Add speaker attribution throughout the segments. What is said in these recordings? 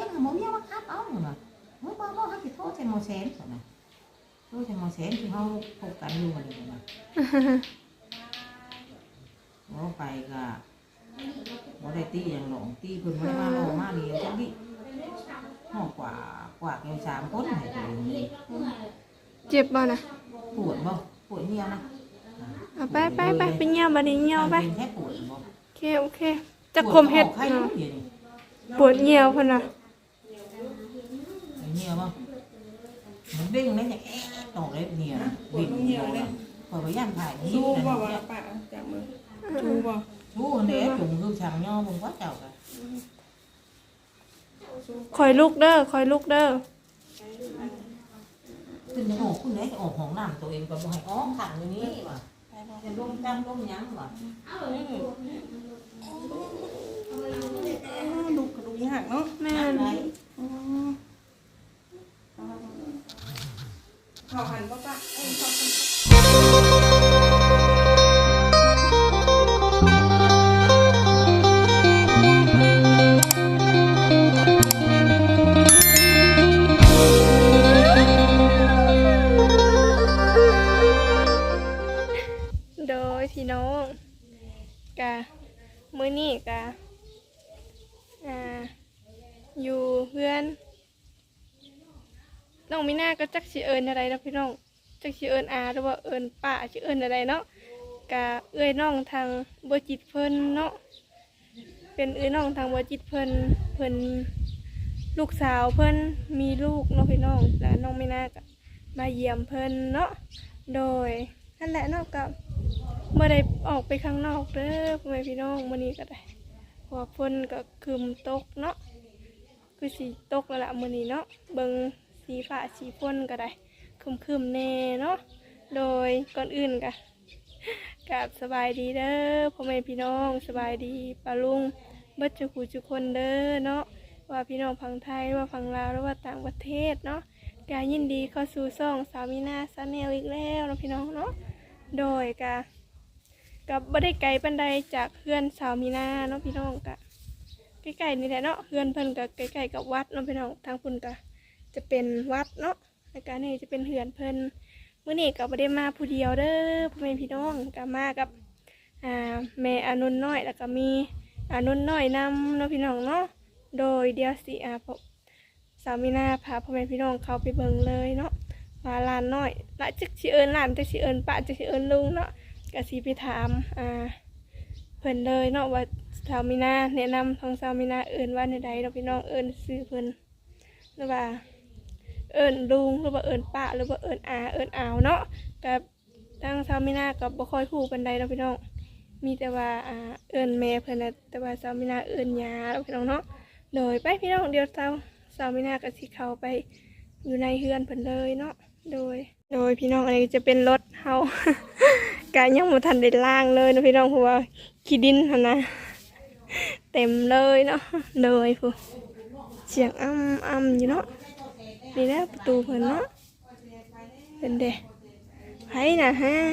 Speaker 1: งหมอเมียว่าคัดเอาเหรอเมื่อบ่ฮักสิโทษใส่หมอแสนนะโทษใส่หมอแสนที่เฮาพบกันอยู่นี่นะโอ้ไปก็บ่ได้ตีอย่างหลงตีเพิ่นบ่ได้มาหลงมานี่จังดิฮอกว่าแก3คนให้ตัวนี้
Speaker 2: เจ็บบ่นะ
Speaker 1: ปวดบ่ปวดเหี่ยวนะ
Speaker 2: ไปไปเหี่ยวบัดนี้เหี่ยวไป
Speaker 1: แค่ปวดบ่
Speaker 2: โอเคจะคมเฮ็ดปวดเหี่ยวเพิ่นน่ะ
Speaker 1: เหี่ยวบ่มันเด้งเลยอย่างตอกเลยเหี่ยวบิ่นเหี่ยวเลยพอไปย่านถ่าย
Speaker 3: ชูบ่ว่าปะจากมือชูบ่
Speaker 1: ชูเด้จุ่มคือช่างย่อมึงว่าเจ้าก็
Speaker 2: คอยลุกเด้อ
Speaker 1: ขึ้นจะออกคุณไหนจะออกห้องน้ำตัวเองก็บ่ให้ออกขังอย่างนี้ว่ะจะล้มจังล้มยั้งว่ะ
Speaker 3: ลูกกระดูกหักเนาะ
Speaker 2: แม่น
Speaker 3: เขาหันบ่ปะ
Speaker 2: โดยพี่น้องกะมื้อนี้กะอยู่เพื่อนน้องมีหน้าก็จักสิเอิญอะไรนะพี่น้องจักสิเอิญอาหรือว่าเอิญป้าสิเอิญอะไรเนาะกะเอ้ยน้องทางบัวจิตเพิ่นเนาะเป็นเอ้ยน้องทางบัวจิตเพิ่นลูกสาวเพิ่นมีลูกเนาะพี่น้องแล้วน้องมีหน้าก็มาเยี่ยมเพิ่นเนาะโดยนั่นแหละเนาะกับเมื่อใดออกไปข้างนอกเด้อพ่อแม่พี่น้องมื้อนี้ก็ได้เพราะว่าฝนก็คืมตกเนาะคือสีตกแล้วล่ะมื้อนี้เนาะเบิ่งสีฟ้าสีฝนก็ได้คึมๆแน่เนาะโดยก่อนอื่นก็กับสบายดีเด้อพ่อแม่พี่น้องสบายดีป้าลุงเบิดทุกคนเด้อเนาะว่าพี่น้องฝั่งไทยว่าฝั่งลาวหรือว่าต่างประเทศเนาะก็ยินดีเข้าสู่ช่องสาวมีนาชาแนลอีกแล้วเนาะพี่น้องเนาะโดยกับบ่ได้ไกลปานใดจากเพื่อนสาวมีนาเนาะพี่น้องกะใกล้ๆนี่แหละเนาะเพื่อนเพิ่นกับใกล้ๆกับวัดเนาะพี่น้องทางพุ่นกะจะเป็นวัดเนาะแล้วก็นี่จะเป็นเพื่อนเพิ่นมื้อนี้ก็บ่ได้มาผู้เดียวเด้อพ่อแม่พี่น้องก็มากับแม่อนุนน้อยแล้วก็มีอนุนน้อยนำเนาะพี่น้องเนาะโดยเดี๋ยวสิสาวมีนาพาพ่อแม่พี่น้องเข้าไปเบิ่งเลยเนาะว่าลานน้อยละจักสิเอิ้นหลานจักสิเอิ้นป้าจักสิเอิ้นลุงเนาะก็สิไปถามเพิ่นเลยเนาะว่าสาวมีนาแนะนำทางสาวมีนาเอิ้นว่าในใดเราพี่น้องเอิ้นซื้อเพิ่นหรือว่าเอิ้นลุงหรือว่าเอิ้นป้าหรือว่าเอิ้นอาเอิ้นอาวเนาะกับทางสาวมีนากับบ่ค่อยฮู้ปานใดเราพี่น้องมีแต่ว่าเอิ้นแม่เพิ่นน่ะแต่ว่าสาวมีนาเอิ้นย่าเราพี่น้องเนาะโดยไปพี่น้องเดี๋ยวสาวมีนาก็สิเข้าไปอยู่ในเฮือนเพิ่นเลยเนาะโดยพี่น้องอันนี้จะเป็นรถเฮากะยังบ่ทันได้ล้างเลยนะพี่น้องเพราะว่าขี้ดินหั่นนะเต็มเลยเนาะเลยผู้เสียงอ้ำอยู่เนาะนี่แหละประตูเพิ่นเนาะเป็นเด้ไผน่ะฮะ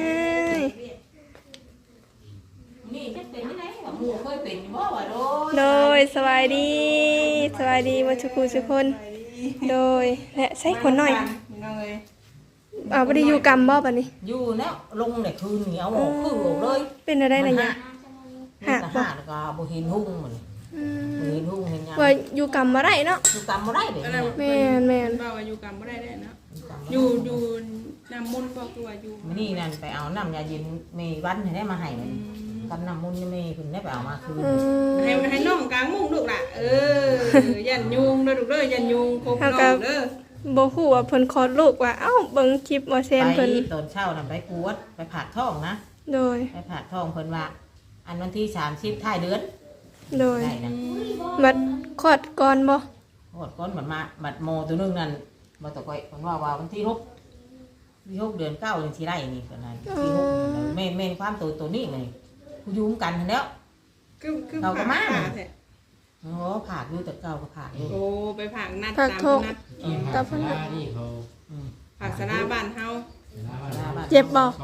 Speaker 1: นี่จะเป็นที่ไหนว่าหมู่เคยเป็นบ่ว่า
Speaker 2: โดยสวัสดีว่าทุกคนโดยและใส่คนหน่อยบ่ได้อยู่กรรมบ่บัดนี้
Speaker 1: อยู่แล้วลงเนี่ยคืนเหนียวออกคือออกเลย
Speaker 2: เป็นอะไรน่ะเนี่ย
Speaker 1: หักแล้วก็บ่เห็นหุ่งมันบ่เห็นหุ่งเห็นหยัง
Speaker 2: ว่าอยู่กรรมบ่ได้เนาะ
Speaker 1: อยู่กรรมบ่ได้เด้
Speaker 2: แม่น
Speaker 3: บ่ว่าอยู่กรรมบ่ได้เด้เนาะอยู่น้ำมนต์บ่คือว่าอยู่
Speaker 1: มื้อนี้นั่นไปเอาน้ำยาเย็นมีวันให้ได้มาให้กับน้ำมนต์นี่มีเพิ่นได้ไปเอามาคืน
Speaker 3: ให้น้องกลางมุ้งลูกล่ะยันยุงเด้อลูกเด้อยันยุงครบน้องเด้อ
Speaker 2: บ่ฮู้ว่าเพิ่นคลอดลูกว่าเอ้าเบิ่งคลิปว่าแซนเพิ่น
Speaker 1: ไปตอนเช้าน่ะไปกวดไปผ่าท้องนะ
Speaker 2: โดย
Speaker 1: ไปผ่าท้องเพิ่นว่าอันวันที่30ท้ายเดือน
Speaker 2: โดยบัดคลอดก่อนบ่
Speaker 1: คลอดก่อนบัดโมตัวนึงนั่นบ่ตะก้อยเพิ่นว่าวันที่6เดือน9จังสิได้นี่เพิ่นว่าที่6แม่นความตัวนี้นี่ผู้อยู่กันหั่นแล้ว
Speaker 3: คือเราก็มา
Speaker 1: โอ้ผ่าอยู่แต่เก่าก็ผ่าอยู่
Speaker 3: โอ้ไปผ่านัด
Speaker 2: ตามนัด
Speaker 4: ตามนัดนี่เขา
Speaker 3: ผ่าสนาบ้านเฮา
Speaker 2: เจ็บบ่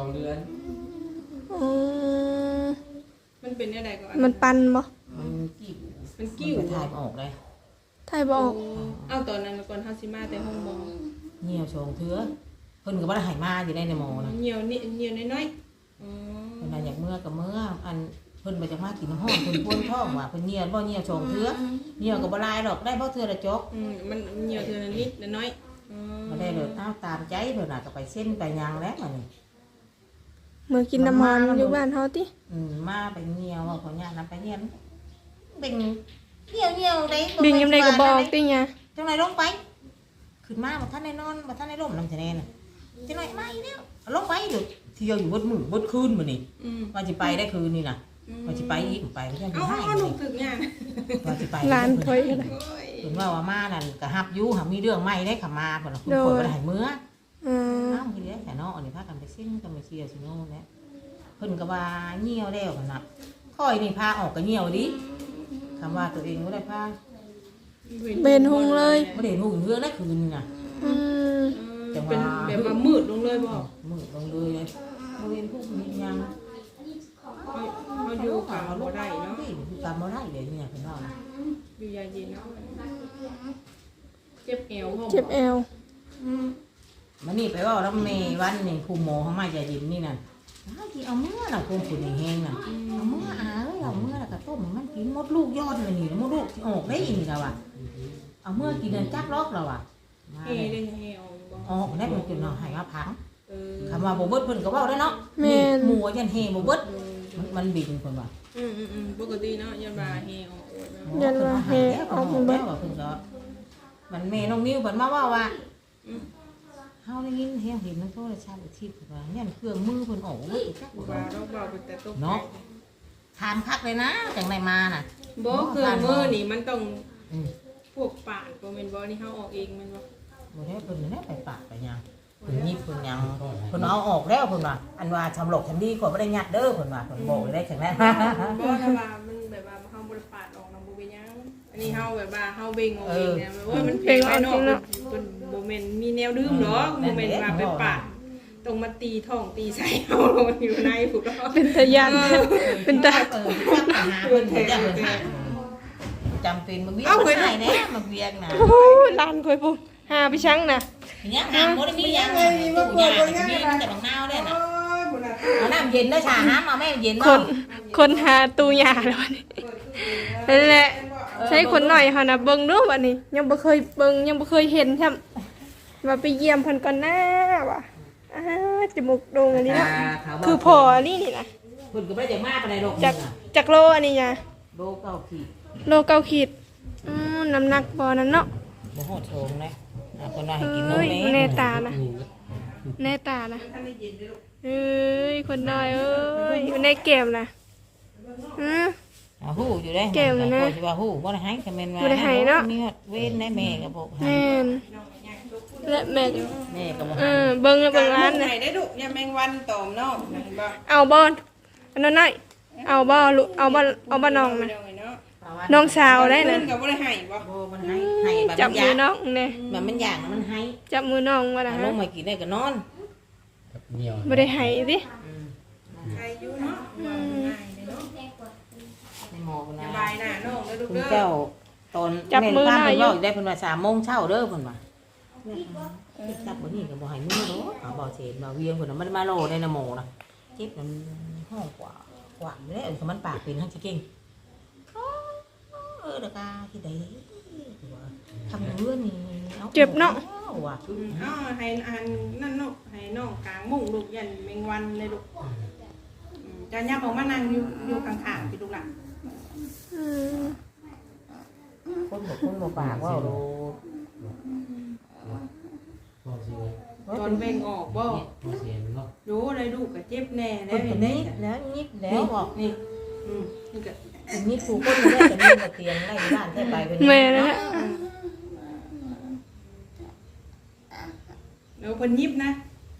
Speaker 3: มันเป็นอะไรก่อน
Speaker 2: มันปันบ่
Speaker 1: มันกิ้วถ่ายออกเลย
Speaker 2: ไทยบ่ออก
Speaker 3: เอาตอนนั้นก่อนเฮาสิมาแต่ห้องบ่
Speaker 1: เหี่ยวชงเถือเพิ่นก็บ่ได้ให้มาอยู่ในหมอนะ
Speaker 3: เหี่ยวนิดเหี่ยวน้อยๆอ๋อ
Speaker 1: เพิ่นน่ะอยากเมื่อก็เมื่ออันเพิ่นบ่จักมากินน้ำห้อนเพิ่นปวดท้องว่าเพิ่นเหี่ยวบ่เหี่ยวชงเถือเหี่ยวก็บ่หลายดอกได้บ่เทื่อละจก
Speaker 3: มันเหี่ยวเทื่อนิดน้อยอ๋อ
Speaker 1: บ่ได้เลยอ้าวตามใจเพิ่นน่ะก็ไปเส้นไปหยังแล้วมันนี่
Speaker 2: เมื่อกินน้ำมันอยู่บ้านเฮาติ
Speaker 1: มาไปเหี่ยวว่าขอญาตนำไปเหี่ยวเป็นเหี่ยวได้
Speaker 2: บิงยามใดก็บ่ออกติหยัง
Speaker 1: จังไหนลงไปขึ้นมาบ่ทันได้นอนบ่ทันได้ร่มนำจะแน่น่ะจังไหนมาอีกแล้วลงไปเดี๋ยวเที่ยวอยู่เบิดมื้อเบิดคืนมื้อนี้ว่าสิไปได้คืนนี่น่ะว่าสิไปอีกไปจัง
Speaker 3: เอา
Speaker 1: สิให้
Speaker 3: เอาลูกถึกย่าง
Speaker 1: ว่าสิไป
Speaker 2: หลานข่อยก็ได้
Speaker 1: เพิ่นว่ามานั่นก็ฮับอยู่หามีเรื่องใหม่ได้ขามาเพิ่นน่ะคุณคนบ่ได้ให้มื้อ
Speaker 2: อืม
Speaker 1: อ้าวทีเดียวแต่เนาะอันนี้พากันไปซิ่งกันไปเชียร์ซิโน่แหละเพิ่นก็ว่าเหี่ยวแล้วกันน่ะค่อยนี่พาออกก็เหี่ยวดิคำว่าตัวเองบ่ได้พา
Speaker 2: เบนหุงเลย
Speaker 1: บ่ได้รู้เรื่องได้คืนนี่น่ะ
Speaker 2: อืม
Speaker 3: เป็นแบบว่ามืดลงเลยบ่
Speaker 1: มือลงเลยเลยบ่เห็นผู้มียัง
Speaker 3: เขาอยู่กับบ่ได้เนาะ
Speaker 1: อยู่กับบ่ได้เลยเนี่ยเพิ่นว่านะ
Speaker 3: อยู่ยาเย็นเนาะเจ็บเอวพ่อ
Speaker 2: เจ็บแอว
Speaker 1: มันนี่ไปเว้านำแม่วันนี่ครูหมอเฮามาจะดินนี่น่ะอ้าวที่เอามื้อน่ะคงผู้นี่แฮงน่ะเอามื้ออาเอ้ยเอามื้อแล้วก็ต้มให้มันกินหมดลูกยอดเลยนี่หมดลูกสิออกได้อีนี่ล่ะว่ะเอามื้อกินเดินจักรอกแล้วว่ะมา
Speaker 3: เฮ
Speaker 1: เลย
Speaker 3: ได้เฮออกบ่
Speaker 1: ออกได้มันกินเนาะให้มาพัง
Speaker 3: เออ
Speaker 1: คำว่าบ่เบิดเพิ่นก็เว้าได้เนาะนี่หมู่ว่าจันเฮบ่เบิดมันบินเพิ่นว่า
Speaker 3: ปกติเนาะยันว่าเฮออกเนาะ
Speaker 2: ยันว่าแฮออกมาเบิด
Speaker 1: เพิ่นก็มันแม่น้องนิ้วเพิ่นมาเว้าว่าเฮาได้ยินเห็นมันโทรศัพท์อีกทีเพิ่นว่าเนี่ยเครื่องมือเพิ่นออกเบิดอีกจัก
Speaker 3: ว่าเราเบาเป็นแต่ตก
Speaker 1: เนาะถามคักเลยนะจังไดมาน่ะ
Speaker 3: บ่คือมือนี่มันต้อง
Speaker 1: อืม
Speaker 3: พวกปาดบ่แม่นบ่นี่เฮาออกเองแม่นบ่
Speaker 1: บ่ได้เพิ่นได้ไปปากไปหยังเพิ่นยิบเพิ่นหยังเพิ่นเอาออกแล้วเพิ่นว่าอันว่าชำหลกชำดีกว่าบ่ได้ยัดเด้อเพิ่นว่าเพิ่นบอกได้แข็งแรง
Speaker 3: บ่ถ้าว่ามันแบบว่าเฮาบ่ได้ปาดออกนำบ่เป็นหยังอันนี้เฮาแบบว่าเฮาเบ่งออกเองเนี่ยว่ามันเพ่งไว้เนาะเพิ่นบ่แม่นมีแนวดื่มหรอกบ่แม่นว่าไปปาดต้องมาตีท้องตีไส้เฮาอยู่ในพุ่นเนาะ
Speaker 2: เป็นตะยันเป็นตา
Speaker 1: จับไปหาเพิ่นเพิ่นจะเพิ่นหาจำเป็นมาเวียงมาให้แน่มาเวียงน่ะ
Speaker 2: โอ้ยหลานข่อยพุ่นหาไปชังน่ะ
Speaker 1: ยังหาบ่ได้มียังเลยตู้ยามีแต่บางนาวเด้น่ะเอาน้ำเย็นเด้อชาน้ำเอาแม่เย็น
Speaker 2: ค
Speaker 1: บ่
Speaker 2: นคนหาตู้ยาแล้วนี่นั่นแหละใช้คนหน่อยเฮานะเบิ่งดูบัดนี้ ยังบ่เคยเบิ่งยังบ่เคยเห็นซ้ำว่าไปเยี่ยมเพิ่นก่อนหน้าว่ะอ้าจมูกโด่งอันนี้เนาะคือพออันนี้นี่นะ
Speaker 1: เพิ่นก็บ่ได้มาปานใดดอก
Speaker 2: จากโลอันนี้ยะ
Speaker 1: โลเก้าขีด
Speaker 2: โล9ขีดน้ำหนักบ่นั่นเนาะ
Speaker 1: บ่ฮอดโถงนะเพิ่นว่าให้กินนม
Speaker 2: เอ้ย
Speaker 1: แม่
Speaker 2: แน่ตานะแน่ตานะเอ้ยคนน้อยเอ้ยอยู่ในเกมนะอือ
Speaker 1: เอาฮู้อยู่ได้
Speaker 2: เก่งนะ
Speaker 1: สิว่าฮู้บ่ได้ให้ก็แม่นว่า
Speaker 2: บ่ได้ให้เนาะ
Speaker 1: มีเว้นได้แม่ก็บ่ให้
Speaker 2: แม่นและแม่
Speaker 1: แม่ก็บ่
Speaker 2: เอ
Speaker 1: ให้
Speaker 2: อเบิ่งเบิ่งร้าน
Speaker 3: ไหน
Speaker 2: นะ
Speaker 3: ได้ดุยาแมงวันตอมเนาะเห็นบ่
Speaker 2: เอาบ่อันนั้นน้อยเอาบ่ลูกเอาบ่น้องนะ
Speaker 3: เนาะ
Speaker 2: น้องสาวได้นะ
Speaker 3: เพิ่นก็บ่ได้ให้บ่
Speaker 1: บ่มันให้แบบ
Speaker 2: จับ
Speaker 1: มัน
Speaker 2: มื
Speaker 1: ยา
Speaker 2: อก น้องแน่
Speaker 1: แบบมันอยากมันให้
Speaker 2: จับมือน้องว่าน่ะ
Speaker 1: ล
Speaker 2: ฮะ
Speaker 1: งมากินได้ก็นอน
Speaker 2: บ่ได้ให้ติ
Speaker 3: ใครอยู่เนาะว่าง่ายเนาะ
Speaker 1: ในหมอพุ่น
Speaker 3: ส
Speaker 1: น่ะ
Speaker 3: บายหน้าน้องเด้อลูก
Speaker 1: คุณ
Speaker 3: เด้อ
Speaker 1: เจ้าตอนแม่ป้าเพิ่นเว้าอยู่ได้เพิ่นว่า3 โมงเช้าเด้อเพิ่นว่าจับบ่นี่ก็บ่ให้มือเด้อเอาบ่เสร็จบ่เวียงเพิ่นน่ะมันมาโลได้นะหมอน่ะเจ็บมันห้องกว่าอยู่แล้วมันปากเป็นทั้งสิเก่งเด้อกาที่ใดทำเรื่องนี่เอาว่ะ
Speaker 3: เอาให้อันนั่นเนาะให้น้องกลางมุ้งลูกยันแมงวันเลยลูกจะยับออกมานั่งอยู่ข้างๆพี่ลูกหล่ะ
Speaker 2: อืม
Speaker 1: คนบ่ปากว่าโล
Speaker 3: ตอนเบ่งออกบ่รู้เลยลูกก็เจ็บแน่แล้
Speaker 1: แล้ว ว
Speaker 3: เห็
Speaker 1: เห็
Speaker 3: น
Speaker 1: น
Speaker 3: ไหม
Speaker 1: นี้แล้วนิดแล้วบอก
Speaker 3: นี่นี่ก็
Speaker 1: นี่ครูคนได้แต่นี่มาเตียงไล่บ้านแท้ไปเป็น
Speaker 2: แม่นะฮะ
Speaker 3: แล้วเพิ่นยิบนะ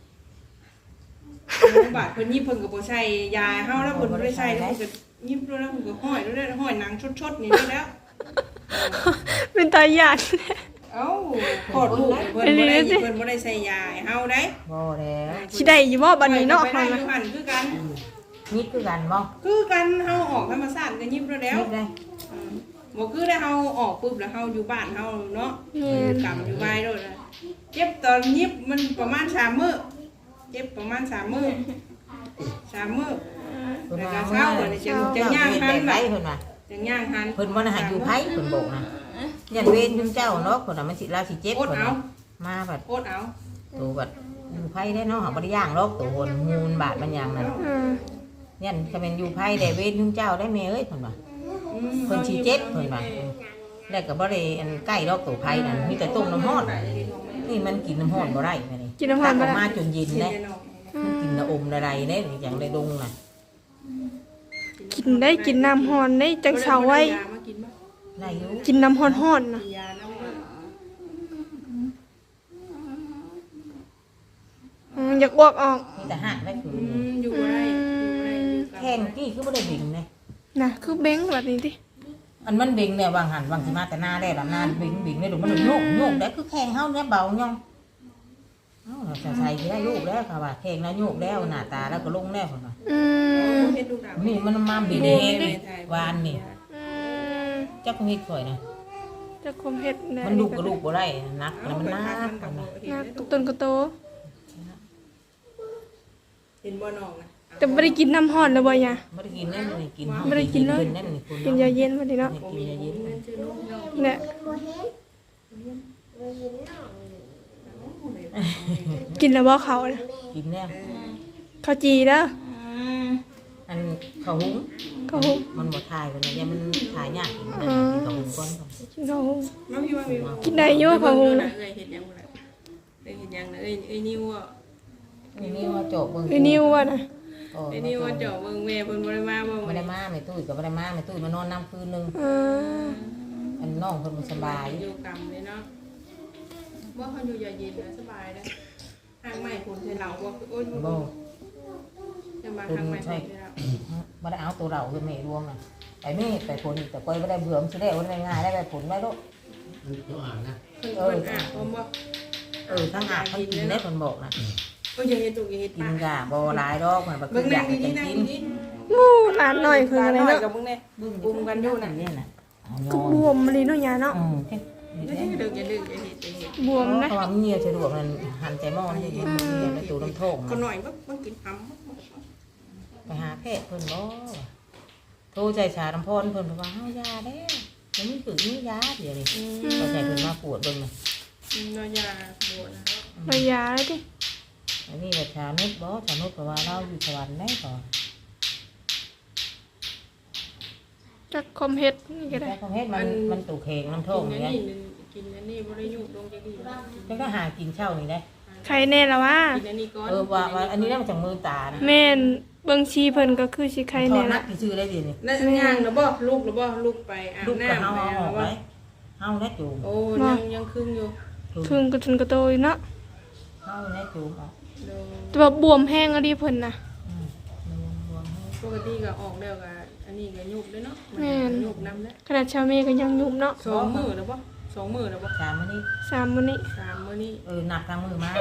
Speaker 3: บาดเพิ่นยิบเพิ่นก็บ่ใส่ยาเฮาแล้วเพิ่นบ่ได้ใส่แล้วเพิ่นก็ยิบแล้วเพิ่นก็ห้อยแล้วห้อยหนังชดๆนี่แล้ว
Speaker 2: เป็นตาหยาด
Speaker 3: เอ้าขอดลูกเพิ่นบ่ได้ใส่ยาให้เฮาได้
Speaker 1: บ่แล้ว
Speaker 2: สิได้อยู่บ่บัดนี้เนาะ
Speaker 3: ไป
Speaker 2: เฮา
Speaker 3: ได้
Speaker 2: นะ
Speaker 3: หันคือกัน
Speaker 1: นิดคือกันบ่
Speaker 3: คือกันเฮาออกธรรมชาติก็ยิบแล้ว
Speaker 1: นิดได้
Speaker 3: บ่คือได้เฮาออกปุ๊บแล้วเฮาอยู่บ้านเฮาเนาะ
Speaker 2: แม่น
Speaker 3: กำอยู่ไว้โดดนะเจ็บตอนยิบมันประมาณ3 มื้อเจ็บประมาณ3 มื้อ3 มื้อแล้วก็เช้าบัดนี้จะย่างหัน
Speaker 1: ไป
Speaker 3: บัด
Speaker 1: เพิ่นว่า
Speaker 3: จะย่างหัน
Speaker 1: เพิ่นบ่ได้ให้อยู่ไผเพิ่นบอกนะยันเวรจุมเจ้าเนาะเพิ่นน่ะมันสิลาสิเจ็บ
Speaker 3: โอด
Speaker 1: เพิ่น
Speaker 3: เอา
Speaker 1: น่ะมาบัด
Speaker 3: โคตรเอา
Speaker 1: ตัวบัดอยู่ไผได้เนาะหาบ่ได้ย่างหรอกตัวหนมูลบาดมันหยังนั่น
Speaker 2: อืม
Speaker 1: ยันก็เป็นอยู่ไผได้เวรจุมเจ้าได้แม่เอ้ยเพิ่นว่าเพิ่นสิเจ็บเพิ่นว่าแล้วก็บ่ได้อันใกล้ดอกตัวไผนั่นมีแต่ต้มน้ำร้อนนี่มันกินน้ำร้อนบ่ได้แม่นี่
Speaker 2: กินน้ำร้อนบ่
Speaker 1: ตักออก
Speaker 2: ได้
Speaker 1: มาจนเย็นเด้มันกินน้ำอมอะไรเด้อย่างได้ดงน่ะ
Speaker 2: กินได้กินน้ำฮ้อนได้จังเช้าไว้
Speaker 3: มากินบ่
Speaker 1: ได้อยู่
Speaker 2: กินน้ำฮ้อนๆนะ
Speaker 3: ยาน้ำมัน
Speaker 2: อยากอ้วกออก
Speaker 1: มีแต่หักได้คือ
Speaker 3: อยู่ไรอยู่ไรอยู่กับ
Speaker 1: แข้งกี้คือบ่ได้บิ่งเลย
Speaker 2: นะคือเบ้งแบบนี้ติ
Speaker 1: อันมันบิ่งเนี่ยวางหันวางสิมาแต่หน้าได้ละหน้าบิ่งได้ดูมันโยกโยกได้คือแข้งเฮาเนี่ยเบาย่องเอ้าเราจะใส่ได้ลูกแล้วค่ะว่าแข้งแล้วโยกแล้วหน้าตาแล้วก็ลงแล้วพุ่นว่า
Speaker 2: อืม
Speaker 3: เฮ็ดลูกดาว
Speaker 1: นี่มันมาบิ่งเองวานนี่
Speaker 2: อืม
Speaker 1: จักเฮ็ดข่อยนะ
Speaker 2: จะคมเฮ็ดได้
Speaker 1: มันลูกก็ลูกบ่ได้นักแล้วมันนัก
Speaker 2: นะกระต้นกระโต
Speaker 3: เห็นบ่น้องนะ
Speaker 2: แต่บ่ได้กินน้ำฮ้อนแล้วบ่ยะ
Speaker 1: บ่ได้กินนั่นนี่กิน
Speaker 2: บ่ได้กินเลย
Speaker 1: นั่นนี่คุณ
Speaker 2: กินยาเย็นบ่ดีเนาะ
Speaker 1: กินยาเย็น
Speaker 2: เนี่ยกินแล้วบ่เขาน่ะ
Speaker 1: กินแล้ว
Speaker 2: เขาจีเด้อ
Speaker 1: อันข้าวหุง
Speaker 2: เขาหุง
Speaker 1: มันบ่ทายกันนะเนี่ยมันทายยากกินนะกินข้าวหุงก่อน
Speaker 2: กินเขาหุง
Speaker 3: น้องพี่ว่ามี
Speaker 2: กินได้อยู่เขาหุง
Speaker 3: เอ้ยเฮ็ดยังบ่ล่ะเอ้ยเฮ็ดยังนะเอ้ยนิ้วอ่ะ
Speaker 1: นี่ว่าโจบเบิ่ง
Speaker 2: ไอ้นิ้วอ่ะนะ
Speaker 3: ไอ้นิ้วว่าเจาะเบิ่งแม่เพิ่นบ่ได้มาบ่
Speaker 1: ไม่ได้มาไม่ตุ้ยก็ไม่ได้มาไม่ตุ้ยมานอนน้ำคืนนึง
Speaker 2: เออ
Speaker 1: อันน้องเพิ่นบ่สบาย
Speaker 3: อยู่กรรมเลยเนาะบ่เขาอยู่ยาเย็นนะสบายเด้อทางใหม่คนใส่เราบ่โอ๊ย
Speaker 1: บ่
Speaker 3: จะมาทางใหม่คนใส่เรา
Speaker 1: บ่ได้เอาตัวเราคือแม่รวมน่ะไปแม่ไปผลแต่ก้อยบ่ได้เบื่อมันสิได้บ่ได้ง่ายได้ไปผลได้ลูก
Speaker 3: เพิ่นอ่ะผมบ่
Speaker 1: ทั้งอาบทั้งกินได้เพิ่นบอกน่ะ
Speaker 3: ก็อย่าเฮ็ดตุกอย่าเฮ็ด
Speaker 1: กิ
Speaker 3: ปาน ก
Speaker 1: กะบ่หลายดอกมันบ่คื
Speaker 3: เบิ่ง
Speaker 1: ออ
Speaker 3: นั่
Speaker 1: ยาง กให้
Speaker 3: นี่
Speaker 1: จัง
Speaker 3: นั่ง
Speaker 1: กิน
Speaker 3: นี่
Speaker 2: หมูหลานหน่อยคืออะไร
Speaker 3: น้อย
Speaker 2: เนาะ
Speaker 3: กับมึงเนี่ยบุ้มกันอยู่น่ะ
Speaker 1: นี่น่ะ
Speaker 2: ก็บวมเลยเนาะยาเนาะ
Speaker 1: เฮ็ด
Speaker 3: อย่าเฮ็ดอย่าเฮ็ดอย่าเฮ็ดอย่าเฮ็ด
Speaker 2: บวมนะ
Speaker 1: เพราะว่ามันเหี่ยวสะดวกนั่นหันใจหม้อนี่ในตู้น้ำโถง
Speaker 3: ก็หน่อยบ่กินหำ
Speaker 1: ไปหาแพทย์เพิ่นบ่โทรใจชาน้ำพรเพิ่นว่าเฮายาแล้วมันมีฝึกมียาเดี๋ยวนี้ก็ใส่เพิ่นมาปวดเบิ่งน่ะ
Speaker 3: น้อยยาโบนะ
Speaker 2: เอายาเลยดิ
Speaker 1: อันนี้ว่าชานุชบ่ชานุชเพราะว่าเราอยู่สวรรค์ได้ก่อน
Speaker 2: จักคมเฮ็ดนี่ก็ได้
Speaker 1: แต่ของเฮ็ดมันตู่แข็งน้ำโถง
Speaker 3: กิน
Speaker 1: นี่
Speaker 3: อัน
Speaker 1: ไง
Speaker 3: นี้กินอันนี้บ่ได้ยุ่งลงจักดี
Speaker 1: แล้วก็หากินเช้านี่ได้
Speaker 2: ใครแน่ละวะ
Speaker 3: กินอันนี้ก่อน
Speaker 1: ว่าอันนี้ได้มาจากมือตานะ
Speaker 2: แม่นเบิ่งชีเพิ่นก็คือสิใคร
Speaker 1: ทอ
Speaker 2: แน่
Speaker 1: ดนั
Speaker 2: ละ
Speaker 1: กชื่อได้ดีนี่
Speaker 3: นั่นย่างนะบ่ลูกนะบ่ลูกไปอาบ
Speaker 1: ลูกก็
Speaker 3: น้ำ
Speaker 1: เฮา
Speaker 3: ไป
Speaker 1: เอาออก
Speaker 3: ว่า
Speaker 1: ไว้เฮาแน่จูง
Speaker 3: โอ้ยังครึ่งอยู่
Speaker 2: ครึ่งกระทุนกระโตอยู่เนาะ
Speaker 1: เฮาแน่จูงออก
Speaker 2: แต่ว่าบวมแห้งอะดิเพิ่นน่ะ
Speaker 1: รวมให้
Speaker 3: ปกติก็ออกแล้วก็อันนี้ก็ยุบเลยเนาะยุบน้ำแล้ว
Speaker 2: ขนาดชาวเมก็ยังยุ่มเนาะ
Speaker 3: 2 มื้อแล้วบ่2 มื้อแล้วบ่
Speaker 1: สามมื้อนี้
Speaker 2: 3มื้อนี้
Speaker 3: 3 มื้อนี้
Speaker 1: นับทางมือมา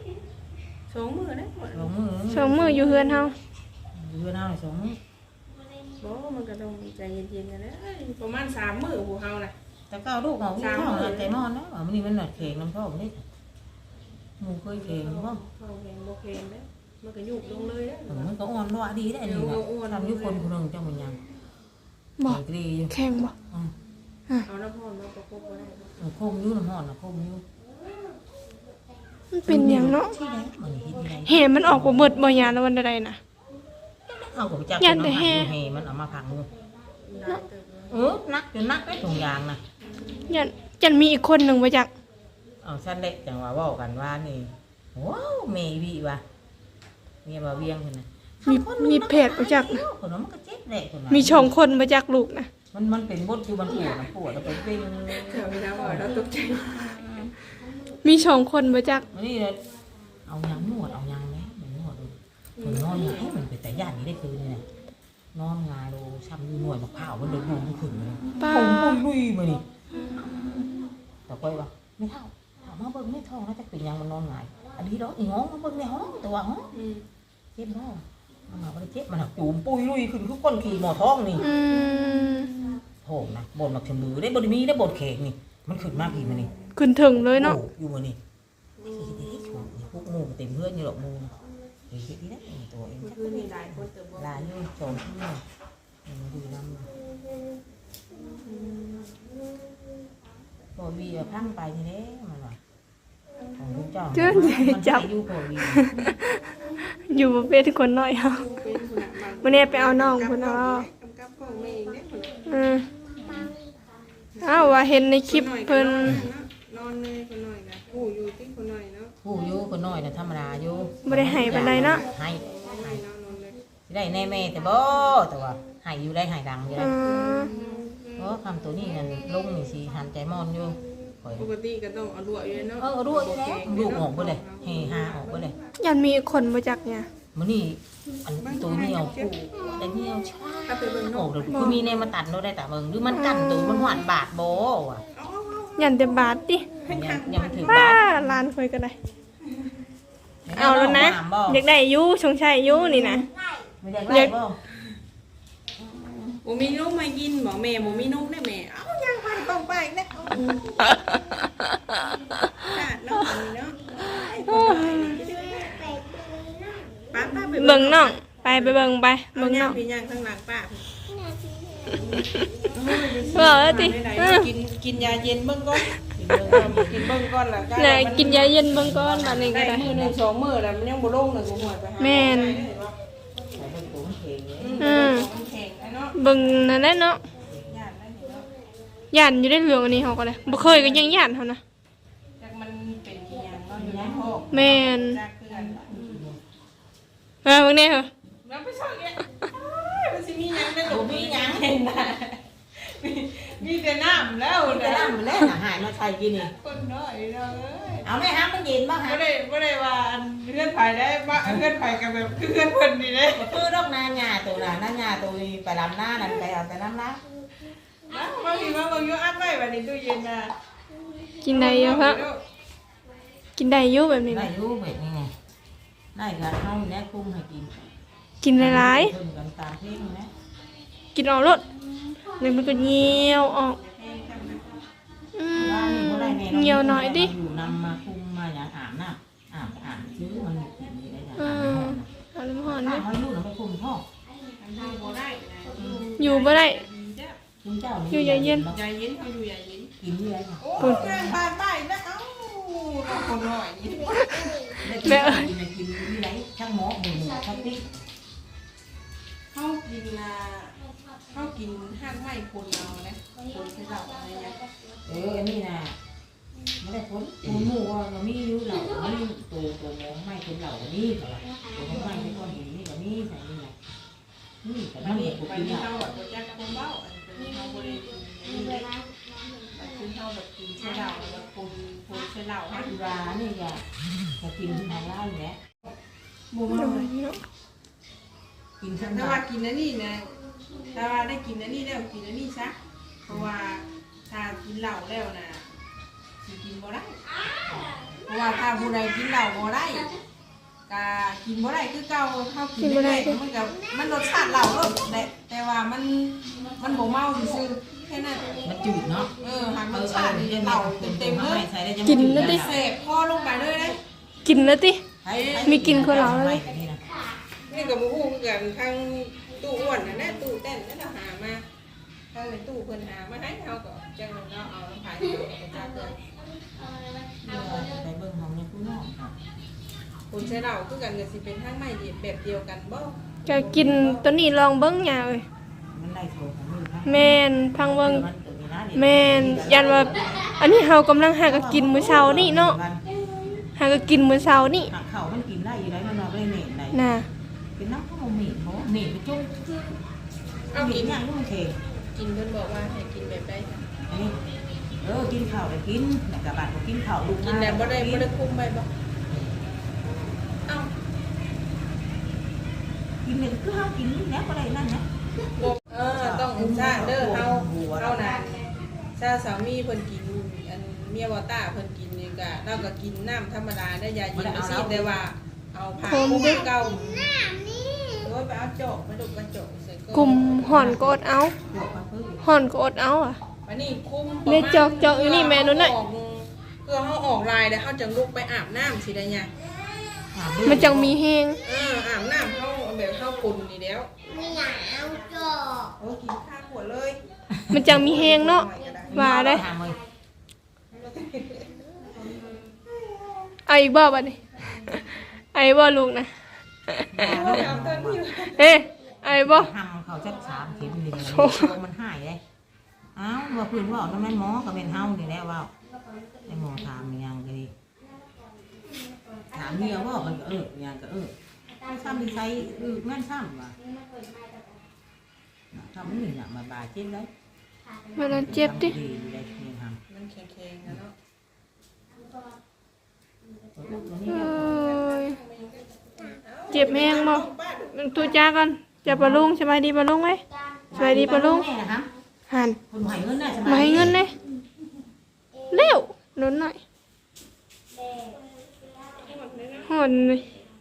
Speaker 3: 2 มื้อนะ
Speaker 1: 2 มื้อ
Speaker 2: 2มื้ออยู่เฮือนเฮา
Speaker 1: อยู่เฮา2 มื้อ
Speaker 3: บ่มันก็ต้องใจเย็นๆกันนะประมาณ3 มื้อผู้เฮาน่ะ
Speaker 1: แต่ก็เอาลูกเอาท้องใจนอนนะมันนี่มันหนักแข็งน้ำท้องนี่หมูเคยแข็งบ่
Speaker 3: เข้าแหงบ่แข็งเด้มันก็ยุบลงเลยเด้
Speaker 1: มันก็อ่อนว่าดีได้นี่นะทำยุคนคนนึงจังมันยัง
Speaker 2: บ่
Speaker 1: แข็งดีอยู่
Speaker 2: แข็งบ่
Speaker 3: เอาน้ำร้อนมาประกบบ่ได้
Speaker 1: โคมยุ่น้ำห่อนนะโคมยุ่
Speaker 2: มันเป็นหยังเนาะ
Speaker 1: ที่ไหนมันเห็นที่ไหน
Speaker 2: แห่มันออกบ่เบิดบ่ยาแล้ววันใดน่ะ
Speaker 1: เอากับจัก
Speaker 2: ยันแต่แห่
Speaker 1: มันเอามาพังมือ
Speaker 3: ได้เติบ
Speaker 1: นักจนนักได้ถุงยางนะ
Speaker 2: ยันมีอีกคนหนึงบ่จัก
Speaker 1: เอาชั้นเล็กจังว่าว่ากันว่านี่ว้าวเมย์วีว่ะเมียมาเวียงคนน่ะ
Speaker 2: มีเพจบ่จัก
Speaker 1: คนนั้นมันก็เจ็บแหละคนน่ะ
Speaker 2: มีช่องคนบ่จักลูกน่ะ
Speaker 1: มันเป็นบดอยู่มันปวดแล้วไปเป็น
Speaker 3: เดี๋ยวมีน้ำบ่อยแล้วตกใจ
Speaker 2: มีช่องคนบ่จัก
Speaker 1: นี่เลยเอายางนวดเอายางไหมมันนวดดูมันนอนหงายมันเป็นแต่ย่านนี้ได้คืนเนี่ยนอนหงายดูช้ำอยู่หน่วยมะพร้าวมันเดินดูมันขึ้นเลย
Speaker 2: ป้า
Speaker 1: ผมลุยมาดิแต่ก้อยว่าไม่เท่าถามมาเบิ่งไม่ท้องแล้วจะเป็นยังมันนอนหงายอันนี้ดอกอีง้องมาเบิ่งในห้องแต่ว่าห้องเจ็บบ่มันมาบ่ได้เจ็บมันหักจูมปุยลุยขึ้นคือก้นขี่หมอท้องนี่
Speaker 2: อืม
Speaker 1: โผล่นะบนหมักชมมือได้บนมีได้บนเค้กนี่มันขึ้นมาผีมันนี่
Speaker 2: ขึ้นถึงเลยเนาะ
Speaker 1: อยู่มันนี่พวกมูเต็มเพื่อนอยู่หรอกมูเฮ้ยที่นั่นตัวเอง
Speaker 3: คือมีหลายคนเติบโต
Speaker 1: ลายอยู่โจมที่นี่มันดูน้ำโปรวีพังไปทีนี้มันว่าของลูกเจ้าอยู่โปรวี
Speaker 2: อยู่บ่เป็นคนน้อยเฮา
Speaker 3: เป็นคนละบาง
Speaker 2: มื้อนี้ไปเอาน้องพุ่นเอา
Speaker 3: กำกับของแม่เองเนี่ยคนละ
Speaker 2: อ้าวว่าเห็นในคลิปเพิ่น
Speaker 3: นอนเลยคนหน่อยนะผู้อยู่ที่คนหน่อยเนาะ
Speaker 1: ผู้อยู่คนน้อยนะธรรมดาอยู่
Speaker 2: บ่ได้ให้ปานใดเนาะ
Speaker 1: ให้
Speaker 3: ให้นอนเลย
Speaker 1: ได้แน่แม่แต่บ่แต่ว่าให้อยู่ได้ให้ดังอยู่
Speaker 2: อื
Speaker 1: ได้
Speaker 2: ม
Speaker 1: เพราะคำตัวนี้นั่นลงนี่สิหันใจมอนอยู่
Speaker 3: ปกติก็ต้องเอารั่วอยู่เนาะ
Speaker 1: รั่วอยู่แล้วลูกออกไปเลยเฮฮาออกไปเลย
Speaker 2: ยันมีคนบ่จักเนี่ย
Speaker 1: มื้อนี้อันตัวเหนียวผู้แต่เหนียวช้า
Speaker 3: ถ้าไปเบิ่ง
Speaker 1: โอ้เดี๋ยวคือมีแนวมาตัดเราได้แต่เบิ่งหรือมันกันตัวมันหวานบาดบ่ว่ะ
Speaker 2: ยันแต่บาทติ
Speaker 1: ยังถึง
Speaker 2: ป้า
Speaker 1: บาด
Speaker 2: หลานค่อยก็ได้ เอาแล้วนะอยากได้อยู่ชงชัยอยู่นี่นะ
Speaker 1: ไม่ได้ไล่บ่
Speaker 3: บ่มีนมมากินบ่แม่บ่มีนมได้แม่เอ้ายังไปต้องไปอีกแล้วเนาะเนาะป้าไป
Speaker 2: เบิ่งน้องไปเบิ่งไปเบิ่งน้อง
Speaker 3: พี่ย่างข้างหลังป้า
Speaker 2: เว้าแล้วติ
Speaker 3: กินยาเย็นเบิ่งก่อนกินเบิ่งก่อนล่ะ
Speaker 2: น่ะกินยาเย็นเบิ่งก่อนบัดนี้ก็
Speaker 3: ได้
Speaker 2: ได้
Speaker 3: มื้อนึง2มื้อแล้วมันยังบ่ลงเลยกูหวยไปหา
Speaker 2: แม่น
Speaker 1: ใส่เบิ่งตัวมันเข่งเลย
Speaker 3: มันแข็งเนาะ
Speaker 2: เบิ่งนั่นแหละเนาะ
Speaker 3: ย่านได้เนาะ
Speaker 2: ย่านอยู่ได้เรื่องอันนี้เฮาก็เลยบ่เคยก็ยังย่านเฮานะ
Speaker 3: จักมันเป็นกี่อย่างเนาะอยู่ในห้อง
Speaker 2: แม่น
Speaker 3: จักคือกัน
Speaker 2: เบิ่งแน่เหรอ
Speaker 3: แล้วไปช่องเนี่ยมันสิมีหยังได้หรอมีหยังเห็นน่ะมีแต่น้ำแล้ว
Speaker 1: แต่
Speaker 3: นะ
Speaker 1: ละมันแล้วหายมาใส่กินนี่
Speaker 3: คนน้อยเนาะเอ้ย
Speaker 1: เอาแม่ฮะมันเย็นบ่ฮะ
Speaker 3: บ่ได้ว่าเพื่อนไผได้บ่เพื่อนไผก็แบบคือเพื่อนเพิ่นนี่เด้
Speaker 1: คือดอกนาหญ้าตัวน่ะนาหญ้าตัวนี้ไปลำหน้านั่นไปเอาแต่น้ำละ
Speaker 3: มาพี่มาเบิ่งอยู่อัดไว้บัดนี้ตู้เย็นน่ะ
Speaker 2: กินได้อยู่ครับกินได้อยู่แบบนี้
Speaker 1: ได้
Speaker 2: นะ
Speaker 1: อยู่แบบนี้ไงได้ก็เฮาแน่คุ้มให้กิน
Speaker 2: กินหลาย
Speaker 1: เพิ่นกันตามเพลงนะ
Speaker 2: ๆกินออกรสนี่มันก็เหี่ยวออกอืมเหี่ยวหน่อยดิ
Speaker 1: อยู่นำมาคุมมาอย่างอาบน้ำอาบซื้อมันกินนี่ได้อย่าง
Speaker 2: อื
Speaker 1: อาบ
Speaker 2: ม
Speaker 1: น้ำ
Speaker 2: เอาน้ำหอน
Speaker 1: ถ้า
Speaker 2: ดิ
Speaker 1: เขาลูกเราไปคุมพ่อ
Speaker 3: อันนี้บ่ได้นะ
Speaker 2: อยู่บ่ได้
Speaker 1: คุณเจ้า
Speaker 2: อยู่อย่าเย็น
Speaker 3: ยาเย็นเขาอยู่ยาเย็น
Speaker 1: กินเรื่อยค่ะ
Speaker 3: โอ้ยบ้านได้แล้วเอ้าคนน้อยนี่
Speaker 1: กินกินที่ไหนช่างหมอหมูช่างติ๊ก
Speaker 3: เฮากินน่ะเฮากินห้างไม้คนเอานะคนใส่เหล้าอะไรเงี้ย
Speaker 1: อันนี้นะไม่ได้พ้นหมูว่าเรามีอยู่เหล่ามีตัวหมอไม่คนเหล่านี่เหรอตัวไม่เป็นก้อนหินนี่ก็มีใส่นี่ไงนี่แต่
Speaker 3: อั
Speaker 1: นั่
Speaker 3: น
Speaker 1: น
Speaker 3: นี้
Speaker 1: เด็ก
Speaker 3: ไป
Speaker 1: กิน
Speaker 3: ที่
Speaker 1: เหล้า
Speaker 3: เฮาอ่ะบ่จักคนเบ้าอันเป็นเฮาบ่ได้กินอันนี้เลยแต่คือเฮาแบบกินใส่เหล้าแล้วคนใส่เหล้าให้
Speaker 1: สุรานี่จะกินทางเหล้าอยู่แล้ว
Speaker 3: บ่
Speaker 2: โด
Speaker 3: มาย
Speaker 2: เนาะ
Speaker 1: กินทั้ง
Speaker 3: ถ้าว่ากินอันนี้นะถ้าว่าได้กินอันนี้แล้วกินอันนี้ซะเพราะว่าถ้ากินเหล้าแล้วน่ะสิกินบ่ได้เพราะว่าถ้าผู้ใดกินเหล้าบ่ได้ก็กินบ่ได้คือเก่าเฮากินได้มันก็มันรสชาติเหล้าเนาะแต่ว่ามันบ่เมาซื่อแค่นั้น
Speaker 1: มันจืดเนาะ
Speaker 3: หากรสชาติเหล้าเต็มๆเลย
Speaker 2: กินแล้วดิ
Speaker 3: เสพพอลงไปเลยเลย
Speaker 2: กินแล้วติ มีกินคนเหล้าเลย
Speaker 3: นี่ก็บ่ฮู้คือกันทางตู้อ้วนน่ะนะตู้เต้นนั่นน่ะหามาทางในตู้เพิ่นหามาให้เฮาก็จังเราเอาน้ำผายเอาไปจ้าเกิน
Speaker 1: ไปเบิ่งห้องในผู้น้องค่ะ
Speaker 3: คนใช้เหล้าคือกันก็สิเป็นทางไม้แบบเดียวกันบ่
Speaker 2: ก็กินตัวนี้ลองเบิ่งหญ้าเอ้ย
Speaker 1: มันได้โทรของมือค่ะ
Speaker 2: แม่นพังเบิ่งแม่นยันว่าอันนี้เฮากำลังหาก็กินมื้อเช้านี่เนาะหาก็กินมื้อเช้านี่
Speaker 1: หักเข่ามันกินได้อยู่ได้มันนอนได้เหน็บได้
Speaker 2: น่ะ
Speaker 1: เป็นน้ำข้าวเหม็นเพราะเหม็นไปจุ้ง
Speaker 3: เอา
Speaker 1: เหม็
Speaker 3: กิ
Speaker 1: น
Speaker 3: น
Speaker 1: อย่างนู้นเท
Speaker 3: กินเพิ่นบอกว่าให้กินแบบใด
Speaker 1: อันนี้กินข้าวได้กินแต่กระบาดก็กินข้าวลูก
Speaker 3: กินแบบบ่ได้คุมไปบ่เอ้า
Speaker 1: กินเนี่ยคือเฮากินแล้วก็ได้นั่นนะ
Speaker 3: ต้องชาเด้อเฮานะชาสามีเพิ่นกินอันเมียบ่ต้าเพิ่นกินนี่ก็เราก็กินน้ำธรรมดาได้ยาเย็นบ่ซีแต่ว่าเอาผ้าคลุมเก่าโอ้ว่าไปเอาจอกมาดูกระจกใส่
Speaker 2: กลุ่มห่อนก็อดเอา
Speaker 1: เดี๋ยวมาเพิ่ม
Speaker 2: ห่อนก็อดเอาอ่ะ
Speaker 3: วันนี้คุ้ม
Speaker 2: เนี่ยจอกอยู่นี่แม่นู้นน่ะ
Speaker 3: เพื่อเขาออกลายแล้วเขาจะลุกไปอาบน้ำสิได้ไง
Speaker 2: มันจังมีแห้ง
Speaker 3: อาบน้ำเขาแบบเข้าปุ่นนี่แล้ว
Speaker 4: ไม่อยากเอาจอก
Speaker 3: โอ้กินข้าวหัวเลย
Speaker 2: มันจังมีแห้งเนาะว่าได้
Speaker 1: ถามเลย
Speaker 2: เอาอีกบ่บัดนี้เอาอีกบ่ลูกนะ
Speaker 3: เอาเต้นอยู่
Speaker 2: เอ๊ะเอาอีกบ่
Speaker 1: ทำเขาจะ3 เข็มนี่เลยมันหายเลยอ้าวว่าพื้นว่าน้ำมันหมอก็เป็นเฮานี่แหละว่าไอ้หมอถามยังก็ดีถามเดียวว่ามันก็ยังก็ซ้ำดีใช้แม่นซ้ำว่ะทำนี่เนี่ยมาบาดเจ็บเลย
Speaker 2: มันนั้นเจ็บดิ
Speaker 1: ดีได้เพียงท
Speaker 3: มันแข็งๆนะเนาะ
Speaker 2: เอ้ยเจ็บแห้งบ่ตูจ้ากันจะปะลุงสบายดีปะลุงไหมสบายดีปะลุง
Speaker 1: แม่นะครับ
Speaker 2: หัน
Speaker 1: คนใหม่เงินน่ะ
Speaker 2: มาให้เงินเลยเร็วหนุนหน่อยหอนเลย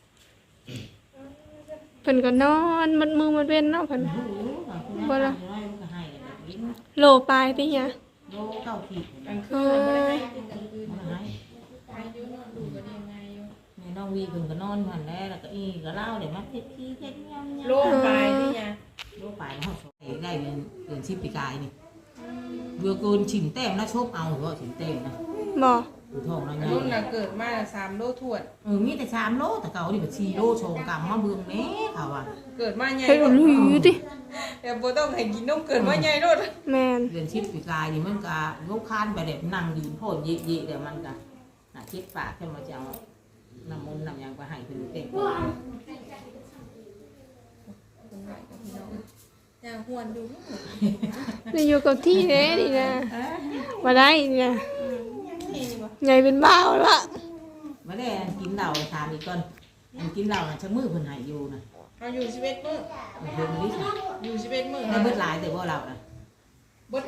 Speaker 2: เพิ่นก็นอนมัดมือมัดเว้นเนาะเพิ่นบ่ล่ะโลปลายติหยัง
Speaker 1: โลเก้าขีด
Speaker 3: กลางคืนเราไม่ได้ให้กินกลางคืน
Speaker 1: มาให้
Speaker 3: อายุนอนดูกันยังไงอยู่
Speaker 1: แม่น้องวีเพิ่นก็นอนหันแล้วก็ก็เล่าเดี๋ยวมาเฮ็ดขี้เฮ็ดยำ
Speaker 3: โล่งไปนี่ไง
Speaker 1: โลไปแล้วได้เดือน10ปีกายนี่เบื่อเกินฉิมแต้มนะชบเอาเหรอฉิมแต้มนะ
Speaker 2: บ่
Speaker 1: อยู่ท้องนะ
Speaker 3: รุ่นน่ะเกิดมา3 โลถวด
Speaker 1: มีแต่3 โลแต่เก่านี่แบบ4 โลโชงกรรมมาเบิ่งแม่เขาว่า
Speaker 3: เกิดมาใหญ่
Speaker 2: เฮ้ยหลุยติ
Speaker 3: แต่บ่ต้องให้กินนมเกิดมาใหญ่โลด
Speaker 2: แม่น
Speaker 1: เดือน10ปีกายนี่มันก็ยกคานไปแบบนั่งยืนโพดเยะๆเดี๋ยวมันก็น่ะคิดปากขึ้นมาจะเอาน้ำมนต์น้ำยางไปให้เพิ่นเต็ม
Speaker 3: อย่างหวนดู
Speaker 2: ได้อยู่กับที่แน่นี่นะบ่ได้นี่นะใหญ่เป็นบ้าวละ
Speaker 1: มาได้กินเหล้าถามอีกก่อนกินเหล้าน่ะชักมือเพิ่นให้อยู่น่ะ
Speaker 3: เอาอยู่11มื้อ
Speaker 1: เพิ่นนี่ค่ะ
Speaker 3: อยู่11มื้อ
Speaker 1: ได้เบิดหลายแต่บ่เหล้าน่ะ
Speaker 3: เบิด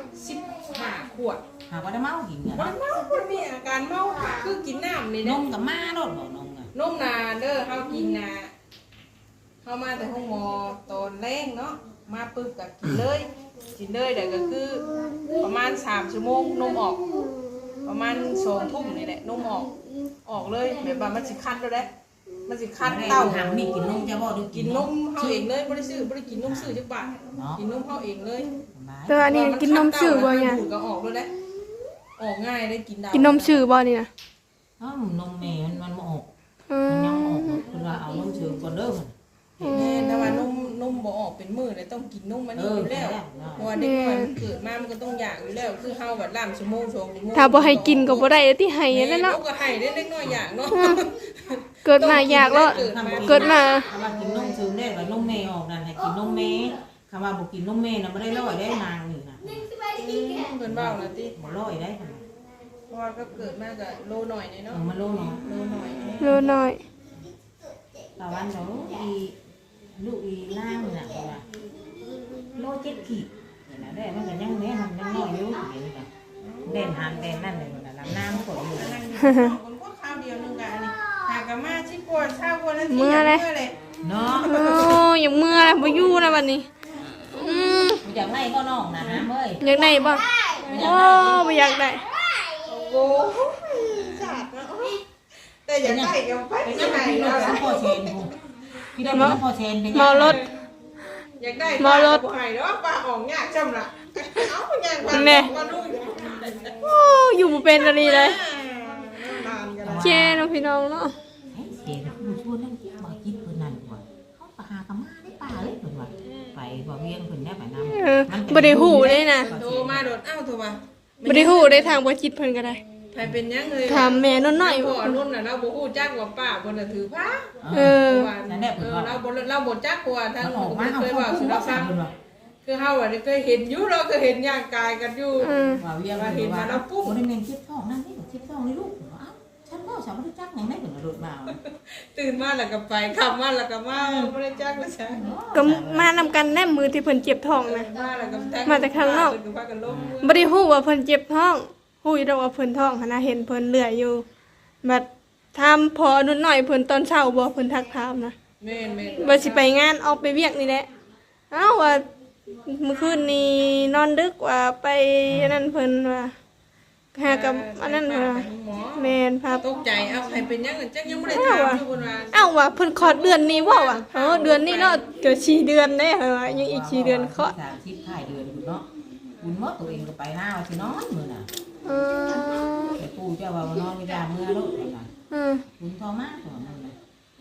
Speaker 3: 15 ขวด
Speaker 1: หากว่าได้เมากินเนี่ย
Speaker 3: มันเมาบ่มีอาการเมาคือกินน้ำนี่
Speaker 1: น
Speaker 3: นะ
Speaker 1: มกับมาโลดบ่นมอ่ะ
Speaker 3: นมนาเด้อเฮากินนาเฮามาแต่ห้องหมอตอนแรงเนาะมาปึ๊บก็กินเลยเดี๋ยวก็คือประมาณ3 ชั่วโมงนมออก ประมาณ2 ทุ่มนี่แหละนมออกเลยแบบว่ามันสิคันแล้วแหละมันสิคันเต้า
Speaker 1: หางนี่กินนมจะบ่ดู
Speaker 3: กินนมเฮาเองเลยบ่ได้ซื้อบ่ได้กินนมซื้อจักบาทกินนมเฮาเองเลย
Speaker 2: แต่ว่าอันนี้กินนมซื่อบ่เนี่ย
Speaker 3: ดูดก็ออกแล้วแหละออกง่ายได้กินได้
Speaker 2: กินนมซื่อบ่นี่นะ
Speaker 1: อ้าวนมแม่มันบ่ออก
Speaker 2: อื
Speaker 1: มัน
Speaker 2: ม
Speaker 1: ยังออกคือว่าเอานมเชิงก่อนเด้อ
Speaker 3: แน่แต่ว่านมบ่ออกเป็นมื้อเลยต้องกินนมมันนี่อยู่แล้วเพราะว่าเด็กน้อยมันเกิดมามันก็ต้องอยากอยู่แล้วคือเฮาแบบ3 ชั่วโมง2 ชั่วโมง
Speaker 2: ถ้าบ่ให้กินก็บ่ได้ที่ให้นั่นเนาะ
Speaker 3: ก็ให้ได้เล็กน้อยอยากเนาะ
Speaker 2: เกิดมาอยากแล้วเกิดมา
Speaker 1: คำว่ากินนมเชิงได้ว่านมแม่ออกนั่นให้กินนมแม่คำว่าบ่กินนมแม่น่ะบ่ได้ร้อยได้นางนี่น่ะ
Speaker 3: เพิ่นเว้าแล้วติ
Speaker 1: บ่ร้อยได้ค่ะ
Speaker 3: เพราะว่าก็เกิดมาก็โลหน่อยเนาะ
Speaker 1: มันโลเนาะ
Speaker 3: โลหน่อย
Speaker 2: โลน้อย
Speaker 1: ตะวันเนาะลูกอีล่างน่ะว่าโล7ขีดนี่นะได้มันก็ยังแม่ทำยังน้อยอยู่นี่น่ะเด่นหันเด่นนั่นเลยน่ะลำน้ำฝนอยู่
Speaker 3: นั่งอยู่คนก็ข้าวเดียวนึงกันอันนี้หากะมาชิปวดข้าววันนั้นที่อยากเมื่อเลย
Speaker 1: เนาะ
Speaker 2: โอ้ยังเมื่อบ่อยู่นะบัดนี้อืม
Speaker 1: อยากไล่ก็น้องนะฮะเว้ย
Speaker 2: อยากได้บ่โอ้บ่อยากได้
Speaker 3: โอ้จัดเนาะแต่อยากได้ก็ไป
Speaker 1: เป็น
Speaker 3: ที่
Speaker 1: ยัง
Speaker 3: ไหน
Speaker 1: ไง
Speaker 3: เนาะ
Speaker 1: น้ำพอเชนกูพี่ได้น้ำพอเชนเป็น
Speaker 2: เมารถ
Speaker 3: อยากได้ป้าบ่ให้เนาะป้าออกยากจำล่ะเอ้าย่างป้าลูก
Speaker 2: โอ้อยู่บ่เป็นอะไรเลย
Speaker 3: นานกัน
Speaker 2: แช่เนาะพี่น้องเนาะ
Speaker 1: เชนกูชวนนั่นบ่คิดเพิ่นนั่นกว่าเขาปหากะมาได้ป่าเลยเพิ่นว่าไปบ่เวียงเพิ่นได้ไปน้ำ
Speaker 2: บ่ได้ฮู้เลยนะ
Speaker 3: โทรมาโดดเอ้าโทรมา
Speaker 2: บ่ได้ฮู้ได้ทางบ่จิตเพิ่นก็ได้
Speaker 3: ใครเป็นยังเลย
Speaker 2: ถามแม่นน้อย
Speaker 3: พ่อนุ่นน่ะเราบ่ฮู้จักว่าป้าบ่น่ะถือผ้า
Speaker 2: เออ
Speaker 1: นั่นแหละเพิ่นว่า
Speaker 3: เราบ่จักว่าทาง
Speaker 1: ออกมา
Speaker 3: เคยว่าสุรศักดิ์
Speaker 1: เพิ่นว่า
Speaker 3: คือเฮาอ่ะเคยเห็นอยู่เราก็เห็นย่างกายกันอยู่
Speaker 2: อืม
Speaker 1: ว่าเวียงเพิ่นว่าบ่ได้แม่นคิดท้องนั่นนี่คิดท้องนี่ลูกเอ้าฉันบ่ฉันบ่รู้จักหยังได้เพิ่นรถมา
Speaker 3: ตื่นมาแล้วก็ไปขับมาแล้วก็มาบ่ได้จักแล้วใช่
Speaker 2: ก็มานำกันแน่มือที่เพิ่นเจ็บท้องนะ
Speaker 3: มาแล้วก็
Speaker 2: มาจากข้างนอก
Speaker 3: พากันลง
Speaker 2: บ่ได้ฮู้ว่าเพิ่นเจ็บท้องฮู้อยู่ดอกว่าเพิ่นท้องหันน่ะเห็นเพิ่นเลื่อยอยู่บัดถามพอนุ่นน้อยเพิ่นตอนเช้าบ่เพิ่นทักถามนะ
Speaker 3: แม่น
Speaker 2: ว่าสิไปงานออกไปเวียกนี่แหละเอ้าว่าเมื่อคืนนี้นอนดึกว่าไปอันนั้นเพิ่นว่าหากับอันนั้นว่าแม่นพา
Speaker 3: ตกใจเอ้าใครเป็นยังจังยังบ่ได้ถามอยู่เพิ่นว่า
Speaker 2: เอ้าว่าเพิ่นคลอดเดือนนี้บ่วะเดือนนี้เนาะเกิด4 เดือนเด้ว่ายังอีก4 เดือนเคาะ
Speaker 1: 30 ท้ายเดือนอยู่เนาะบุญหมดตัวเองก็ไปหน้าว่าสินอนมื้อน่ะ
Speaker 2: เออ
Speaker 1: แต่ปู่เจ้าว่านอนไม่ได้เมื่อลูกน่ะ
Speaker 2: อืม
Speaker 1: บุญทอมากกว่ามันน่ะ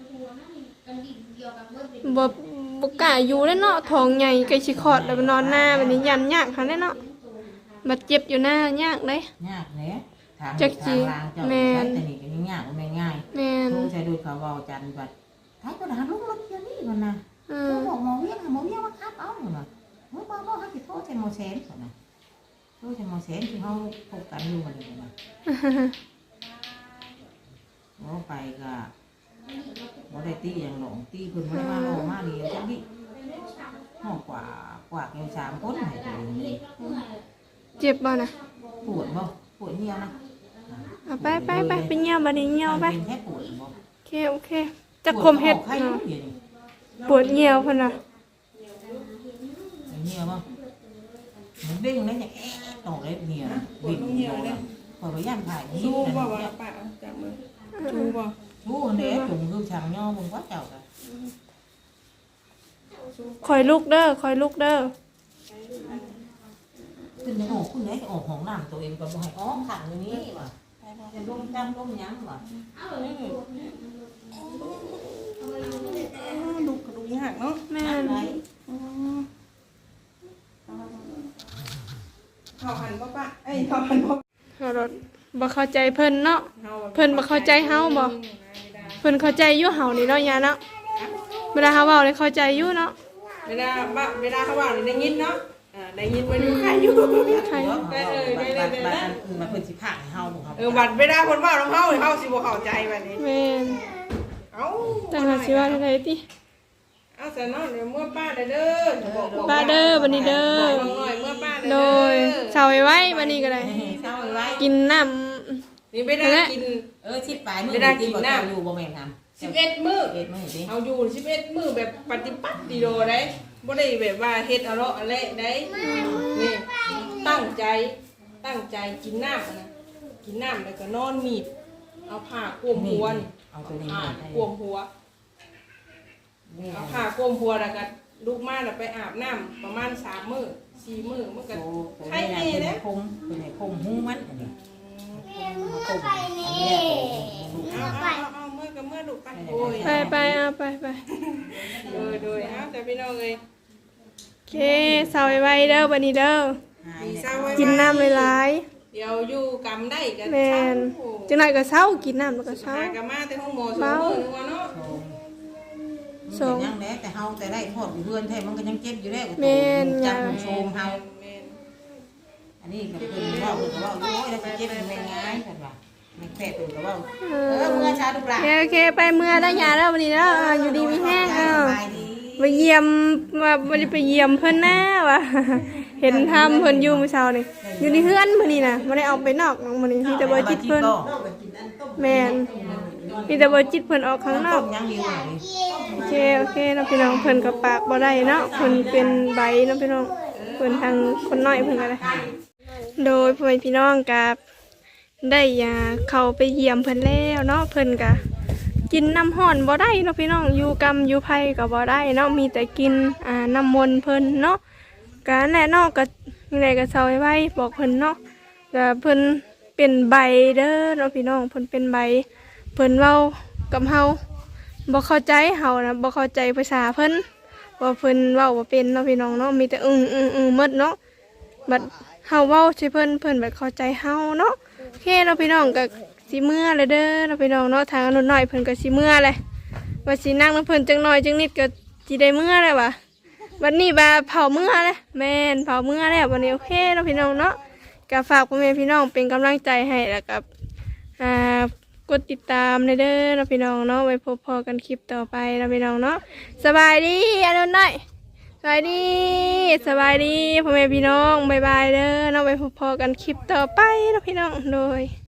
Speaker 2: บ่กล้าอยู่แล้วเนาะท้องใหญ่ใกล้สิคลอดแล้วไปนอนหน้าบัดนี้ยันยากหั่นแหละเนาะบัดเจ็บอยู่หน้ายากเด้
Speaker 1: ยากแหละทาง
Speaker 2: จักจิ
Speaker 1: ทางลางเจ้า
Speaker 2: แม่
Speaker 1: ใช้
Speaker 2: น
Speaker 1: แต่นี่ก็ยากมันไม่ง่าย
Speaker 2: แม่น
Speaker 1: โทรใช้ดูเขาเว้าจันทร์บัดท้ายก็หาลูกรถเดี๋ยวนี้มันน่ะ
Speaker 2: อื
Speaker 1: โทร
Speaker 2: ม
Speaker 1: บอกหมอเวียงหมอเวียงว่าครับเอาหน่ะเฮ้ยบ่ให้สิโทรใช้หมอแสนก่อนน่ะโทรใช้หมอแสนที่เฮาพบกันอยู่มันนี่น่ะโอ้ไปก็บ่ได้ตีหยังหรอกตีเพิ่นบ่ได้มาโลมาเดียวจังดิห้องกว่าแกว3คนให้ตัวนี้
Speaker 2: เจ็บบ่น่ะ
Speaker 1: ปวดบ่ปวดเหี่ยวนะ
Speaker 2: เอาไปไปเหี่ยวบัดนี้เหี่ยวไป
Speaker 1: เป็นแค่ปวดบ่
Speaker 2: โอเคจักคมเฮ็ด
Speaker 1: ไข้
Speaker 2: เนาะ
Speaker 1: เดี๋ยวนี้
Speaker 2: ปวดเหี่ยวเพิ่นน่ะ
Speaker 1: เหี่ยวบ่มันเด้งเลยอย่างต่อเลยเหี่ยววิ่งเหี่ยวเลยพอไปย่านถ่ายนี่
Speaker 3: สู้บ่ว่าป้าจับมือสู้บ่
Speaker 1: สู้เด้จุ่มคือช่างย่อมึงว่าเจ้าก็
Speaker 2: คอยลุกเด้อ
Speaker 1: ขึ้นจะออกคุณไหนจะออกห้องน้ำตัวเองก็บ่ให้ออกขังอย่างนี้ว่ะจะล้มจำล้มยั้งว่ะ
Speaker 3: ลูกกระดูกหักเนาะ
Speaker 2: แม่น
Speaker 3: เข้าหันบ่ป้าเอ้ยเข้าหันบ่
Speaker 2: เฮารถบ่เข้าใจเพิ่นเนาะเพิ่นบ่เข้าใจเฮาบ่เพิ่นเข้าใจอยู่เฮานี่เนาะยาเนาะเวลาเฮาเว้าเลยเข้าใจอยู่เนาะ
Speaker 3: เวลาเขาว่าได้ยินเนาะได้ยินว่าอยู่ใครอยู่
Speaker 2: ใคร
Speaker 1: มาเพิ่นสิพาให้เฮาบ่ครับ
Speaker 3: บัดเวลาคนว่าน้องเฮาเฮาสิบ่เข้าใจบัดนี้
Speaker 2: แม่น
Speaker 3: เอ้า
Speaker 2: จังหาสิว่าได้ติ
Speaker 3: เอาซะเนาะเดี๋ยวเมื่อป้าเด้อ
Speaker 2: ป้าเด้อบัดนี้เด้อ
Speaker 3: น้องน้อยเมื่อป้า
Speaker 2: โดยเช้าไว้บัดนี้ก็ได้
Speaker 1: เช้าไว้
Speaker 2: กินน้ำ
Speaker 3: นี่ไปได้กิน
Speaker 1: ชิดปลายมือกินบ่อยู่บ่แม่นทำ
Speaker 3: 11มื้อ
Speaker 1: เอ็ดมื้อสิ
Speaker 3: เอาอยู่11มื้อแบบปฏิบัติดีโดได้บ่ได้แบบว่าเฮ็ดเอาเลาะอะไรได้นี่ตั้งใจกินน้ำนะกินน้ำแล้วก็นอนมีดเอาผ้าคลุมหัวนี่
Speaker 1: เอาตัวนี้
Speaker 3: ผ้า
Speaker 1: มา
Speaker 3: คลุมหัวเอาผ้าคลุมหัวแล้วก็ลูกมาแล้วไปอาบน้ำประมาณ3 มื้อ4 มื้อมันก็ไข้แน่เด้
Speaker 1: คงเป็นคงหูมันอันนี้
Speaker 4: ไปนี่
Speaker 3: เอาเมื่อกับเมื่อลูกไปโอ้ย
Speaker 2: ไปเอาไป
Speaker 3: โดยเอาแต่พี่น้องเอ้ย
Speaker 2: โอเคเช้าไว้เด้อบัดนี้เด้อ
Speaker 3: เศร้าไว้
Speaker 2: กินน้ำหลาย
Speaker 3: เดี๋ยวอยู่กำได้กัน
Speaker 2: ๆแม่นจังได๋ก็เช้ากินน้ำแล้วก็เช้า
Speaker 3: หากะมาแต่ห้องหมอ2 มื้อนึงว่าเนาะ
Speaker 1: ยังแหละแต่เฮาแต่ได้ทอดอยู่เพื่อนแท้มันก็ยังเจ็บอยู่แล้วจับโชมเฮาอันนี้ก็เป็นว่าเพิ่นก็ว่าโอ้ยแล้วเจ็บแม่ง่ายเพิ่นว่าแม่แพ้เพิ่นก็ว่าเมื่อชาลูกหลาน
Speaker 2: โอเคไปเมื่อได้ยาแล้ววันนี้แล้วอยู่ดีมีแห้ง
Speaker 1: สบายดี
Speaker 2: ไปเยี่ยมว่าบ่ได้ไปเยี่ยมเพิ่นแน่ว่ะ เห็นทำเพิ่นอยู่มื้อเช้านี่อยู่ในเฮือนมื้อนี้น่ะบ่ได้เอาไปนอกมื้อนี้มีแต่บ่จิตเพิ่นแม่นมีแต่บ่จิตเพิ่นออกข้างนอก
Speaker 1: ยังอยู่
Speaker 2: โอเคเนาะพี่น้องเพิ่นก็ปากบ่ได้เนาะเพิ่นเป็นใบเนาะพี่น้องเพิ่นทางคนน้อยเพิ่นก็ได้โดยพ่อแม่พี่น้องกับได้ยาเข้าไปเยี่ยมเพิ่นแล้วเนาะเพิ่นก็กินน้ำห้อนบ่ได้เนาะพี่น้องอยู่กำอยู่ไผก็บ่ได้เนาะมีแต่กินน้ำมนต์เพิ่นเนาะก็แน่เนาะก็ยังไงก็เซาไว้บอกเพิ่นเนาะก็เพิ่นเป็นใบเด้อเนาะพี่น้องเพิ่นเป็นใบเพิ่นเว้ากับเฮาบ่เข้าใจเฮานะบ่เข้าใจภาษาเพิ่นว่าเพิ่นเว้าบ่เป็นเนาะพี่น้องเนาะมีแต่หมดเนาะบัดเฮาเว้าใส่เพิ่นแบบเข้าใจเฮาเนาะโอเคเนาะพี่น้องก็สิเมื่อเลยเด้อเนาะพี่น้องเนาะทางอนุน้อยเพิ่นก็สิเมื่อเลยว่าสินั่งนำเพิ่นจังน้อยจังนิดก็สิได้เมื่อเลยว่ะวันนี้บ่าเผาเมื่อเลยแม่นเผาเมื่อแล้ววันนี้โอเคเนาะพี่น้องเนาะก็ฝากพ่อแม่พี่น้องเป็นกำลังใจให้แล้วกับกดติดตามเด้อเนาะพี่น้องเนาะไว้พบพอกันคลิปต่อไปเนาะพี่น้องเนาะสบายดีอนุน้อยสบายดีพ่อแม่พี่น้องบ๊ายบายเด้อเนาะไว้พบพอกันคลิปต่อไปเนาะพี่น้องโดย